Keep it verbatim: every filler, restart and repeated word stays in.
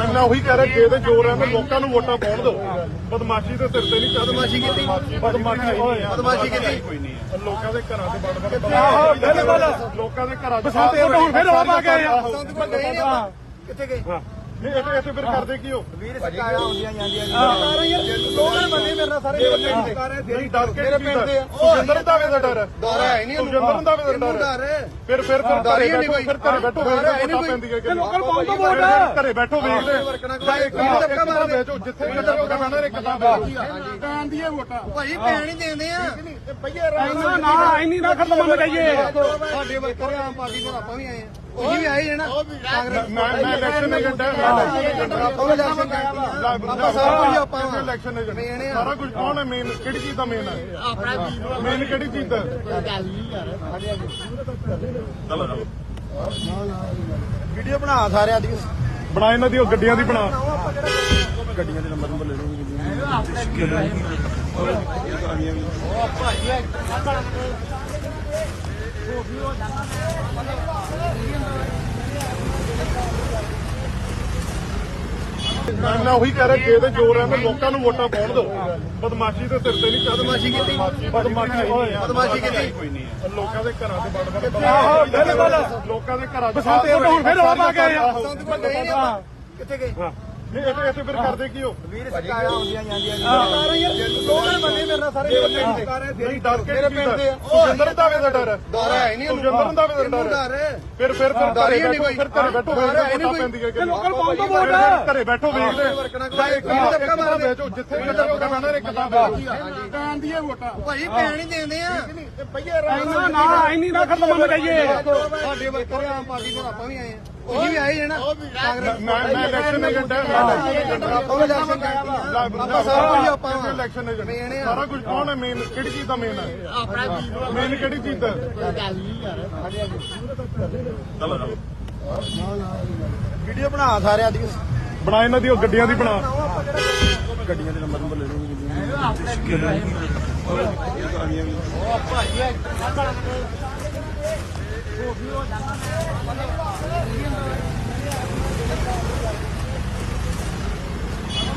ਮੈਂ ਉਹੀ ਕਹਿ ਰਿਹਾ ਜੇ ਤੇ ਜੋਰ ਹੈ ਮੈਂ ਲੋਕਾਂ ਨੂੰ ਵੋਟਾਂ ਪਾਉਣ ਦਿਓ। ਬਦਮਾਸ਼ੀ ਦੇ ਸਿਰ ਤੇ ਨਹੀਂ ਚੱਲ ਬਦਮਾਸ਼ੀ ਕੀਤੀ ਬਦਮਾਸ਼ੀ ਬਦਮਾਸ਼ੀ ਕੀਤੀ ਕੋਈ ਨਹੀਂ ਹੈ। ਲੋਕਾਂ ਦੇ ਘਰਾਂ ਦੇ ਬੜ ਬੜ ਬਿਲਕੁਲ ਲੋਕਾਂ ਦੇ ਘਰਾਂ ਦੇ ਹੁਣ ਫਿਰ ਰੌਲਾ ਪਾ ਕੇ ਆਏ ਆ। ਕਿੱਥੇ ਗਏ ਨਹੀਂ ਇੱਥੇ ਇੱਥੇ ਫਿਰ ਕਰਦੇ ਕੀ ਹੋ ਵੀਰ ਸਰਕਾਰਾਂ ਆਉਂਦੀਆਂ ਜਾਂਦੀਆਂ ਯਾਰ ਲੋਕਲ ਬੰਦੇ ਮੇਰੇ ਨਾਲ ਸਾਰੇ ਨਹੀਂ ਡਰ ਕੇ ਕੀ ਹੁੰਦਾ ਸੁਖਿੰਦਰ ਦਾਵੇ ਦਾ ਡਰ ਹੈ ਡਰ ਹੈ ਨਹੀਂ ਸੁਖਿੰਦਰ ਦਾਵੇ ਦਾ ਡਰ ਹੈ ਫਿਰ ਫਿਰ ਫਿਰ ਘਰੇ ਬੈਠੋ ਫਿਰ ਘਰੇ ਬੈਠੋ ਵੋਟਾਂ ਪੈਂਦੀਆਂ ਕਿ ਲੋਕਲ ਪਾਉਣ ਤੋਂ ਵੋਟ ਘਰੇ ਬੈਠੋ ਵੇਖਦੇ ਇੱਕ ਧੱਕਾ ਵੇਚੋ ਜਿੱਥੇ ਵੀ ਧੱਕਾ ਪੈਣਾ ਇੱਕ ਤਾਂ ਪੈਣ ਦੀਆਂ ਵੋਟਾਂ ਭਾਈ ਪੈਣ ਹੀ ਦੇਂਦੇ ਆ ਪਈਏ ਨਾ ਨਾ ਇੰਨੀ ਨਾ ਖਤਮ ਮੰਨ ਜਾਈਏ। ਸਾਡੇ ਵਰਕਰ ਆਮ ਪਾਰਟੀ ਤੋਂ ਆਪਾਂ ਵੀ ਆਏ ਆ ਉਹੀ ਵੀ ਆਏ ਜਣਾ ਕਾਂਗਰਸ ਮੈਂ ਮੈਂ ਇਲੈਕਸ਼ਨ ਏਜੰਟ ਹਾਂ ਮੈਂ ਇਲੈਕਸ਼ਨ ਆਪਾਂ ਇਲੈਕਸ਼ਨ ਆਪਾਂ ਸਾਰਾ ਕੁਝ ਆਪਾਂ ਇਲੈਕਸ਼ਨ ਏਜੰਟ ਸਾਰਾ ਕੁਝ ਕੌਣ ਹੈ ਮੇਨ ਕਿਹੜੀ ਚੀਜ਼ ਦਾ ਮੇਨ ਹੈ ਮੇਨ ਕਿਹੜੀ ਚੀਜ਼ ਦਾ ਵੀਡੀਓ ਬਣਾ ਸਾਰਿਆਂ ਦੀ ਬਣਾ ਇਹਨਾਂ ਦੀ ਉਹ ਗੱਡੀਆਂ ਦੀ ਬਣਾ ਗੱਡੀਆਂ ਦੇ ਨੰਬਰ ਨੰਬਰ ਲੈ ਲਓ ਮੈਂ ਮੈਂ ਉਹੀ ਕਹਿ ਰਿਹਾ ਜੇ ਤੇ ਜੋਰ ਹੈ ਮੈਂ ਲੋਕਾਂ ਨੂੰ ਵੋਟਾਂ ਪਾਉਣ ਦਿਓ। ਬਦਮਾਸ਼ੀ ਦੇ ਸਿਰ ਤੇ ਨਹੀਂ ਚੱਲ ਬਦਮਾਸ਼ੀ ਕੀਤੀ ਬਦਮਾਸ਼ੀ ਬਦਮਾਸ਼ੀ ਕੀਤੀ ਕੋਈ ਨਹੀਂ ਹੈ। ਲੋਕਾਂ ਦੇ ਘਰਾਂ ਦੇ ਬੜ ਬੜ ਬਿਲਕੁਲ ਲੋਕਾਂ ਦੇ ਘਰਾਂ ਦੇ ਹੁਣ ਫਿਰ ਰੌਲਾ ਪਾ ਕੇ ਆਏ ਆ। ਕਿੱਥੇ ਗਏ ਨਹੀਂ ਇੱਥੇ ਇੱਥੇ ਫਿਰ ਕਰਦੇ ਕੀ ਹੋ ਵੀਰ ਸਰਕਾਰਾਂ ਆਉਂਦੀਆਂ ਜਾਂਦੀਆਂ ਯਾਰ ਲੋਕਲ ਬੰਦੇ ਮੇਰੇ ਨਾਲ ਸਾਰੇ ਨਹੀਂ ਡਰ ਕੇ ਕੀ ਹੁੰਦਾ ਸੁਖਿੰਦਰ ਦਾਵੇ ਦਾ ਡਰ ਹੈ ਡਰ ਹੈ ਨਹੀਂ ਸੁਖਿੰਦਰ ਦਾਵੇ ਦਾ ਡਰ ਹੈ ਫਿਰ ਫਿਰ ਫਿਰ ਘਰੇ ਬੈਠੋ ਫਿਰ ਘਰੇ ਬੈਠੋ ਵੋਟਾਂ ਪੈਂਦੀਆਂ ਕਿ ਲੋਕਲ ਪਾਉਣ ਤੋਂ ਵੋਟ ਘਰੇ ਬੈਠੋ ਵੇਖਦੇ ਇੱਕ ਧੱਕਾ ਵੇਚੋ ਜਿੱਥੇ ਵੀ ਧੱਕਾ ਪੈਣਾ ਇੱਕ ਤਾਂ ਪੈਣ ਦੀਆਂ ਵੋਟਾਂ ਭਾਈ ਪੈਣ ਹੀ ਦੇਂਦੇ ਆ ਪਈਏ ਨਾ ਨਾ ਇੰਨੀ ਨਾ ਖਤਮ ਮੰਨ ਜਾਈਏ। ਸਾਡੇ ਵਰਕਰ ਆਮ ਪਾਰਟੀ ਤੋਂ ਆਪਾਂ ਵੀ ਆਏ ਆ ਉਹੀ ਵੀ ਆਏ ਜਣਾ ਕਾਂਗਰਸ ਮੈਂ ਮੈਂ ਇਲੈਕਸ਼ਨ ਏਜੰਟ ਹਾਂ ਮੈਂ ਇਲੈਕਸ਼ਨ ਏਜੰਟ ਆਪਾਂ ਇਲੈਕਸ਼ਨ ਆਪਾਂ ਸਾਰਾ ਕੁਝ ਆਪਾਂ ਇਲੈਕਸ਼ਨ ਏਜੰਟ ਸਾਰਾ ਕੁਝ ਕੌਣ ਹੈ ਮੇਨ ਕਿਹੜੀ ਚੀਜ਼ ਦਾ ਮੇਨ ਹੈ ਮੇਨ ਕਿਹੜੀ ਚੀਜ਼ ਦਾ ਵੀਡੀਓ ਬਣਾ ਸਾਰਿਆਂ ਦੀ ਬਣਾ ਇਹਨਾਂ ਦੀ ਉਹ ਗੱਡੀਆਂ ਦੀ ਬਣਾ ਗੱਡੀਆਂ ਦੇ ਨੰਬਰ ਨੰਬਰ ਲੈ ਲਓ